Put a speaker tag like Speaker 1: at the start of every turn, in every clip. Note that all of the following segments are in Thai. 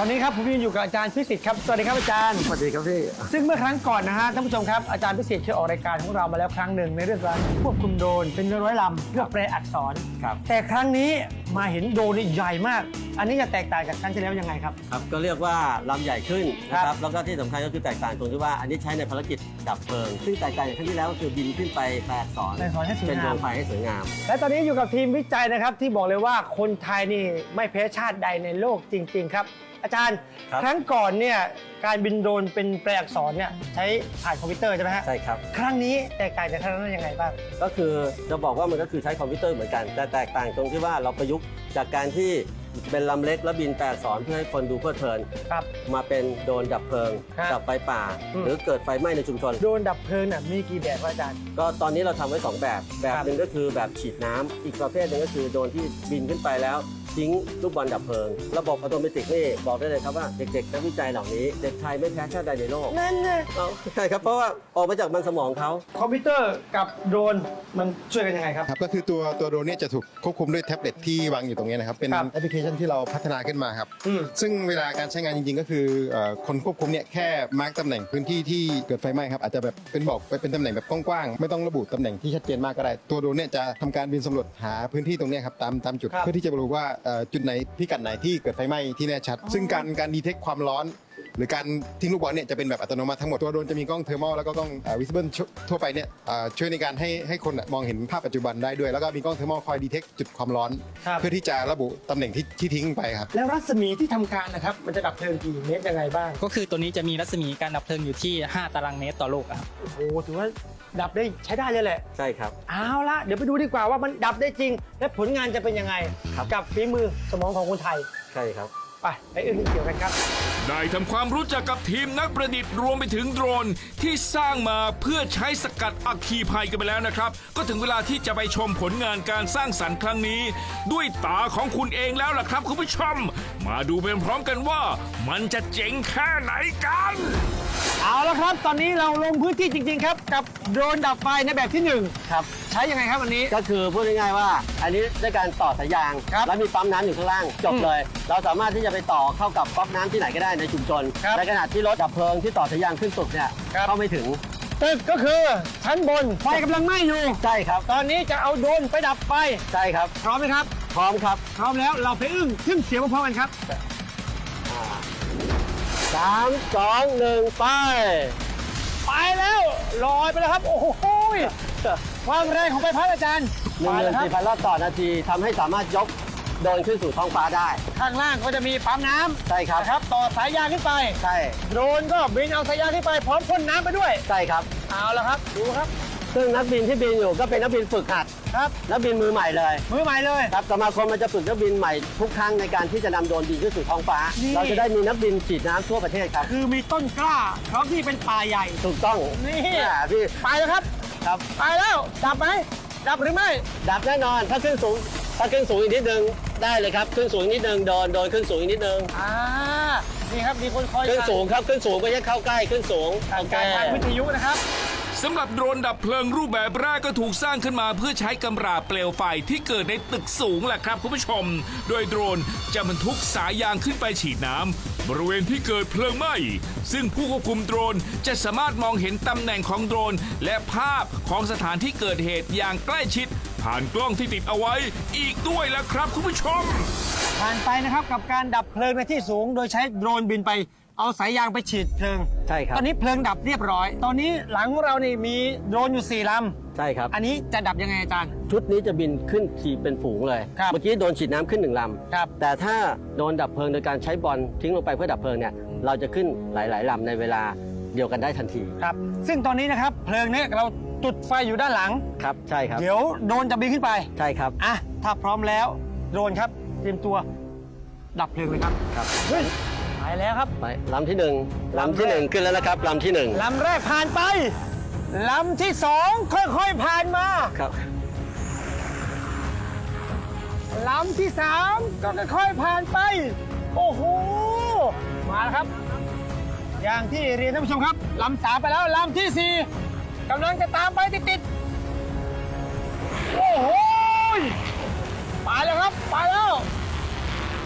Speaker 1: อนนี้ครับผมยืนอยู่กับอาจารย์พิสิทธิ์ครับสวัสดีครับอาจารย์
Speaker 2: สวัสดีครับพี่
Speaker 1: ซึ่งเมื่อครั้งก่อนนะฮะท่านผู้ชมครับอาจารย์พิสิทธิ์เคยออกรายการของเรามาแล้วครั้งหนึ่งในเรื่องการควบคุมโดรนเป็นร้อยลำเพื่อแปลอักษร
Speaker 2: ครับ
Speaker 1: แต่ครั้งนี้มาเห็นโดรนนี่ใหญ่มาก อันนี้จะแตกต่างจากครั้งที่แล้วยังไงครับ
Speaker 2: ครับก็เรียกว่าลำใหญ่ขึ้นนะค
Speaker 1: ครั
Speaker 2: รับบ แล้วก็ที่สำคัญก็คือแตกต่างตรงที่ว่าอันนี้ใช้ในภารกิจดับเพลิงซึ่งแตกต่างจากครั้งที่แล้วก็คือบินขึ้นไปแปลอักษร
Speaker 1: แปลอักษรให้สวยงาม
Speaker 2: เป็นดวงไฟให้สวยงาม
Speaker 1: และตอนนี้อยู่กับทีมวิจัยนะครับที่บอกเลยว่าคนไทยนี่ไม่แพ้ชาติใดในโลกจริง ๆ ครับ อาจารย์
Speaker 2: ครับ
Speaker 1: ครั้งก่อนเนี่ยการบินโดรนเป็นแปลอักษรเนี่ยใช้ผ่านคอมพิวเตอร์ใช่ไหมฮะ
Speaker 2: ใช่ครับ
Speaker 1: ครั้งนี้แตกต่างจากครั้งนั้นยังไงบ้าง
Speaker 2: ก็คือจะบอกว่ามันก็คือใช้คอมพิวเตอร์เหมือนกันแต่แตกต่างตรงที่ว่าเราประยุกต์จากการที่เป็นลำเล็กแล้วบินแปลอักษรเพื่อให้คนดูเพลิดเพลิน
Speaker 1: ครับ
Speaker 2: มาเป็นโดรนดับเพลิง
Speaker 1: ครับ
Speaker 2: ดับไฟป่า
Speaker 1: อืม
Speaker 2: หรือเกิดไฟไหม้ในชุมชน
Speaker 1: โดรนดับเพลิงน่ะมีกี่แบบครับอาจารย์
Speaker 2: ก็ตอนนี้เราทำไว้ 2 แบบหนึ่งก็คือแบบฉีดน้ำอีกประเภทหนึ่งก็คือโดรนที่บินขึ้นไปแล้วทิ้งลูกบอลดับเพลิง ระบบอัตโนมัตินี่บอกได้เลยครับว่าเด็กๆนักวิจัยเหล่านี้เด็กไทยไม่แพ้ชาติใดในโลก
Speaker 1: นั่นไง
Speaker 2: เอาใช่ครับเพราะว่าออกมาจากมันสมองเขา
Speaker 1: คอมพิวเตอร์กับโดรนมันช่วยกันยังไงครับ
Speaker 3: ครับก็คือตัวโดรนเนี่ยจะถูกควบคุมด้วยแท็บเล็ตที่วางอยู่ตรงนี้นะครับเป็น
Speaker 1: ครับ
Speaker 3: แอปพลิเคชันที่เราพัฒนาขึ้นมาครับ
Speaker 1: อืม
Speaker 3: ซึ่งเวลาการใช้งานจริงๆก็คือคนควบคุมเนี่ยแค่มาร์กตำแหน่งพื้นที่ที่เกิดไฟไหม้ครับอาจจะแบบเป็นบอกไปเป็นตำแหน่งแบบกว้างๆไม่ต้องระบุตำแหน่งที่ชัดเจนมากก็ได้ตัวโดรนเนี่ยจะทำการบินสำรวจหาพื้นที่ตรงเนี้ยครับตามจุด
Speaker 1: ครับ
Speaker 3: เพื่อที่จะรู้ว่าจุดไหนพิกัดไหนที่เกิดไฟไหม้ที่แน่ชัด ซึ่งการดีเทคความร้อน หรือการทิ้งลูกบอลเนี่ยจะเป็นแบบอัตโนมัติทั้งหมดตัวโดรนจะมีกล้องเทอร์มอลแล้วก็กล้องวิซิเบิลทั่วไปเนี่ยช่วยในการให้คนมองเห็นภาพปัจจุบันได้ด้วย แล้วก็มีกล้องเทอร์มอลคอยดีเทคจุดความร้อน
Speaker 1: ครับ
Speaker 3: เพื่อที่จะระบุตำแหน่งที่ทิ้งไปครับ
Speaker 1: แล้วรัศมีที่ทำการนะครับมันจะดับเพลิงกี่เมตรยังไงบ้าง
Speaker 4: ก็คือตัวนี้จะมีรัศมีการดับเพลิงอยู่ที่ 5 ตารางเมตรต่อลูกอะครับ
Speaker 1: โอ้โหถือว่าดับได้ใช้ได้เลยแหละ
Speaker 2: ใช่ครับ
Speaker 1: เอาละเดี๋ยวไปดูดีกว่าว่ามันดับได้จริง และผลงานจะเป็นยังไง
Speaker 2: ครับ
Speaker 1: กับฝีมือสมองของคนไทย
Speaker 2: ใช่ครับ
Speaker 1: ไปอื่นเกี่ยวกันครับ
Speaker 5: ได้ทำความรู้จักกับทีมนักประดิษฐ์รวมไปถึงโดรนที่สร้างมาเพื่อใช้สกัดอัคคีภัยกันไปแล้วนะครับ ก็ถึงเวลาที่จะไปชมผลงานการสร้างสรรค์ครั้งนี้ ด้วยตาของคุณเองแล้วล่ะครับคุณผู้ชม มาดูเป็นพร้อมกันว่า มันจะเจ๋งแค่ไหนกัน
Speaker 1: เอาละครับ ตอนนี้เราลงพื้นที่จริง ๆ ครับ กับโดรนดับไฟในแบบที่1
Speaker 2: ครับ
Speaker 1: ใช้ยังไงครับวันนี้
Speaker 2: ก็คือพูดง่ายๆว่า อันนี้ด้วยการต่อสายยาง
Speaker 1: ครับ
Speaker 2: แล้วมีปั๊มน้ำอยู่ข้างล่างจบเลย เราสามารถที่จะไปต่อเข้ากับก๊อกน้ำที่ไหนก็ได้ในชุมชน
Speaker 1: ครับ
Speaker 2: ในขณะที่รถดับเพลิงที่ต่อสายยางขึ้นตึกเนี่ย
Speaker 1: ครับ
Speaker 2: เข้าไม่ถึง
Speaker 1: ตึกก็คือชั้นบนไฟกำลังไหม้อยู่
Speaker 2: ใช่ครับ
Speaker 1: ตอนนี้จะเอาโดรนไปดับไฟ
Speaker 2: ใช่ครับ
Speaker 1: พร้อมไหมครับ
Speaker 2: พร้อมครับ
Speaker 1: พร้อมแล้วเราไปขึ้นเสียงพร้อมๆกันครับ
Speaker 2: 3 2 1 ไป
Speaker 1: ไปแล้วลอยไปแล้วครับ โอ้โหความแรงของใบพัดอาจารย์ไปแล้วครับ
Speaker 2: 14,000 รอบต่อนาทีทำให้สามารถยกโดรนขึ้นสู่ท้องฟ้าได้
Speaker 1: ข้างล่างก็จะมีปั๊มน้ำ
Speaker 2: ใช่ครับ
Speaker 1: นะครับต่อสายยางขึ้นไป
Speaker 2: ใช่
Speaker 1: โดรนก็บินเอาสายยางขึ้นไปพร้อมพ่นน้ำไปด้วย
Speaker 2: ใช่ครับ
Speaker 1: เอาละครับดูครับ
Speaker 2: ซึ่งนักบินที่บินอยู่ก็เป็นนักบินฝึกหัด
Speaker 1: ครับ
Speaker 2: นักบินมือใหม่เลย
Speaker 1: มือใหม่เลย
Speaker 2: ครับสมาคมมันจะฝึกนักบินใหม่ทุกครั้งในการที่จะนำโดรนบินขึ้นสู่ท้องฟ้า
Speaker 1: นี่
Speaker 2: เราจะได้มีนักบินฉีดน้ำทั่วประเทศครับ
Speaker 1: คือมีต้นกล้าพร้อมที่เป็นป่าใหญ่
Speaker 2: ถูกต้อง
Speaker 1: นี่
Speaker 2: พี่
Speaker 1: ไปแล้วครับ
Speaker 2: ครับ
Speaker 1: ไปแล้วดับไหมดับหรือไม่
Speaker 2: ดับแน่นอนถ้าขึ้นสูงอีกนิดนึงได้เลยครับขึ้นสูงอีกนิดนึงโดนขึ้นสูงอีกนิดนึง
Speaker 1: นี่ครับมีคนคอย
Speaker 2: ขึ้นสูงครับขึ้นสูงไม่ใช่เข้าใกล้ขึ้นสูง
Speaker 1: ทางการทางวิทยุนะครับ
Speaker 5: สำหรับโดรนดับเพลิงรูปแบบแรกก็ถูกสร้างขึ้นมาเพื่อใช้กำราบเปลวไฟที่เกิดในตึกสูงแหละครับคุณผู้ชม โดยโดรนจะบรรทุกสายยางขึ้นไปฉีดน้ำบริเวณที่เกิดเพลิงไหม้ซึ่งผู้ควบคุมโดรนจะสามารถมองเห็นตำแหน่งของโดรนและภาพของสถานที่เกิดเหตุอย่างใกล้ชิด ผ่านกล้องที่ติดเอาไว้อีกด้วยล่ะครับคุณผู้ชม
Speaker 1: ผ่านไปนะครับกับการดับเพลิงในที่สูง โดยใช้โดรนบินไปเอาสายยางไปฉีดเพลิง
Speaker 2: ใช่ครับ
Speaker 1: ตอนนี้เพลิงดับเรียบร้อย ตอนนี้หลังของเรานี่มีโดรนอยู่4 ลำ
Speaker 2: ใช่ครับ
Speaker 1: อันนี้จะดับยังไงอาจารย์
Speaker 2: ชุดนี้จะบินขึ้นทีเป็นฝูงเลย
Speaker 1: ครับ
Speaker 2: เมื่อกี้โดนฉีดน้ำขึ้น1 ล
Speaker 1: ครับ
Speaker 2: ำแต่ถ้าโดนดับเพลิงโดยการใช้บอลทิ้งลงไปเพื่อดับเพลิงเนี่ยเราจะขึ้นหลายๆลำในเวลาเดียวกันได้ทันที
Speaker 1: ครับ ซึ่งตอนนี้นะครับเพลิงเนี่ยเราจุดไฟอยู่ด้านหลัง
Speaker 2: ครับใช่ครับ
Speaker 1: เดี๋ยวโดรนจะบินขึ้นไป
Speaker 2: ใช่ครับ
Speaker 1: อ่ะถ้าพร้อมแล้วโดรนครับเตรียมตัวดับเพลิงเลยครับ
Speaker 2: ครับ
Speaker 1: เฮ้ยไปแล้วครับ
Speaker 2: ไปลำที่1ลำที่1ขึ้นแล้วนะครับลำที่1
Speaker 1: ลำแรกผ่านไปลำที่2ค่อยๆผ่านมา
Speaker 2: ครับ
Speaker 1: ลำที่3ก็ค่อยๆผ่านไป โอ้โหมาแล้วครับ อย่างที่เรียนท่านผู้ชมครับลำ3ไปแล้วลำที่4กำลังจะตามไปติดๆโอ้โหไปแล้วครับไปแล้ว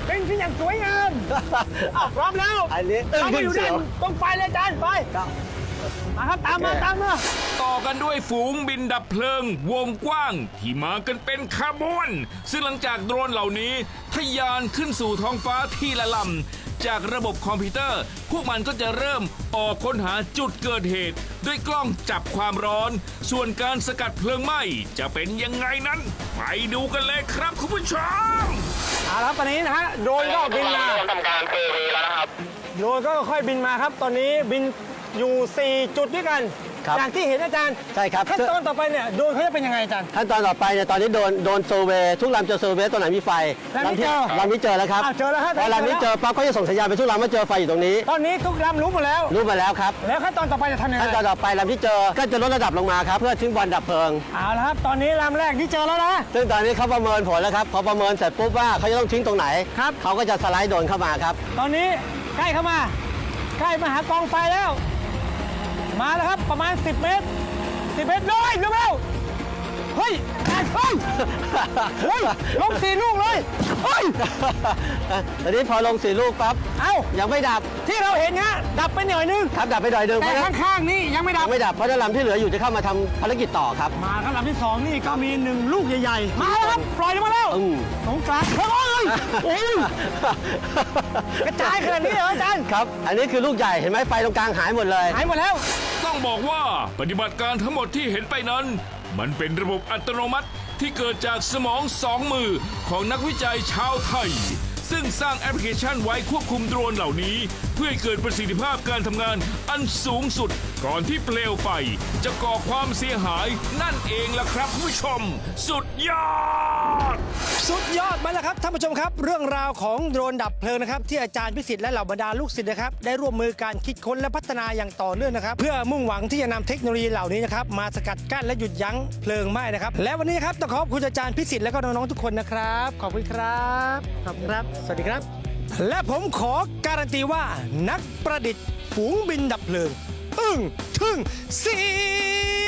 Speaker 1: เป็นที่อย่างสวยงามอ้าวพร้อมแล้ว
Speaker 2: อันนี้ตึ้ง
Speaker 1: เรา
Speaker 2: ขึ้
Speaker 1: มาน อยู่
Speaker 2: เสี
Speaker 1: ด้า
Speaker 2: ยว
Speaker 1: นต้องไปเลยอาจารย์ไปมาครับตามมาตามมา
Speaker 5: ต่อกันด้วยฝูงบินดับเพลิงวงกว้างที่มากันเป็นขบวน ซึ่งหลังจากโดรนเหล่านี้ทะยานขึ้นสู่ท้องฟ้าทีละลำจากระบบคอมพิวเตอร์ พวกมันก็จะเริ่มออกค้นหาจุดเกิดเหตุ ด้วยกล้องจับความร้อน ส่วนการสกัดเพลิงไหม้จะเป็นยังไงนั้น ไปดูกันเลยครับคุณผู้ชม
Speaker 1: เอาละครับตอนนี้นะฮะโดรนก็บินมาทำการเซอร์เวย์แล้วนะครับโดรนก็ค่อยบินมาครับ ตอนนี้บินอยู่ 4 จุดด้วยกัน
Speaker 2: ครับ
Speaker 1: อย่างที่เห็นอาจารย์
Speaker 2: ใช่ครับ
Speaker 1: ขั้นตอนต่อไปเนี่ยโดรนเขาจะเป็นยังไงอาจารย์
Speaker 2: ขั้นตอนต่อไปเนี่ยตอนนี้โดนเซอร์เวย์ทุกลำจะเซอร์เวย์ตัวไหนมีไฟ
Speaker 1: ลำนี้เจอ
Speaker 2: ลำนี้เจอแล้วครับ
Speaker 1: อ้าวเจอแล้วฮะ
Speaker 2: พอลำนี้เจอปั๊บเขาจะส่งสัญญาณไปทุกลำว่าเจอไฟอยู่ตรงนี้
Speaker 1: ตอนนี้ทุกลำรู้หมดแล้ว
Speaker 2: รู้มาแล้วครับ
Speaker 1: แล้วขั้นตอนต่อไปจะทำยังไง
Speaker 2: ขั้นตอนต่อไปลำที่เจอก็จะลดระดับลงมาครับเพื่อทิ้งบอลดับเพลิง
Speaker 1: เอาละครับตอนนี้ลำแรกที่เจอแล้วนะ
Speaker 2: ซึ่งตอนนี้เขาประเมินผลแล้วครับพอประเมินเสร็จปุ๊บว่าเขาจะต้องทิ้งตรงไหน
Speaker 1: ครับ
Speaker 2: เขาก็จะสไลด์โดรนเข้ามาครับ
Speaker 1: ตอนนี้ใกล้เข้ามา ใกล้มาหากองไฟแล้ว มาแล้วครับประมาณ 10 เมตร 10 เมตรเลยเร็วๆเฮ้ยเฮ้ยเฮ้ยลง4 ลูกเลยเฮ้ย
Speaker 2: ตอนนี้พอลง4 ลูกปั๊บ
Speaker 1: เอ้า
Speaker 2: ยังไม่ดับ
Speaker 1: ที่เราเห็นฮะดับไปหน่อยนึง
Speaker 2: ครับดับไปหน่อยหนึงเพ
Speaker 1: แต่
Speaker 2: ราะฉะนั้น
Speaker 1: ข้างๆนี่ยังไม่ดับ
Speaker 2: ยังไม่ดับเพราะฉะนั้นลำที่เหลืออยู่จะเข้ามาทำภารกิจต่อครับ
Speaker 1: มาครับลำที่ 2 นี่ก็มี 1 ลูกใหญ่ๆ มาแล้วครับ ปล่อยลงมาแล้ว
Speaker 2: อืม
Speaker 1: สงกรานต์เฮ้ยโอ้ยกระจายขนาดนี้เหรออาจารย์
Speaker 2: ครับ อันนี้คือลูกใหญ่เห็นไหมไฟตรงกลางหายหมดเลย
Speaker 1: หายหมดแล้ว
Speaker 5: ต้องบอกว่าปฏิบัติการทั้งหมดที่เห็นไปนั้น มันเป็นระบบอัตโนมัติที่เกิดจากสมองสองมือของนักวิจัยชาวไทย ซึ่งสร้างแอปพลิเคชันไว้ควบคุมโดรนเหล่านี้ เพื่อให้เกิดประสิทธิภาพการทำงานอันสูงสุด ก่อนที่เปลวไฟจะก่อความเสียหายนั่นเองล่ะครับคุณผู้ชม สุดยอด
Speaker 1: สุดยอดมาแล้วครับท่านผู้ชมครับ เรื่องราวของโดรนดับเพลิงนะครับที่อาจารย์พิสิทธิ์และเหล่าบรรดาลูกศิษย์นะครับได้ร่วมมือการคิดค้นและพัฒนาอย่างต่อเนื่องนะครับ เพื่อมุ่งหวังที่จะนำเทคโนโลยีเหล่านี้นะครับมาสกัดกั้นและหยุดยั้งเพลิงไหม้นะครับและวันนี้ครับต้องขอบคุณอาจารย์พิสิทธิ์และก็น้องๆทุกคนนะครับขอบคุณครับขอบคุณครับ สวัสดีครับ และผมขอการันตีว่านักประดิษฐ์ฝูงบินดับเพลิงอึ้งทึ่งเสียว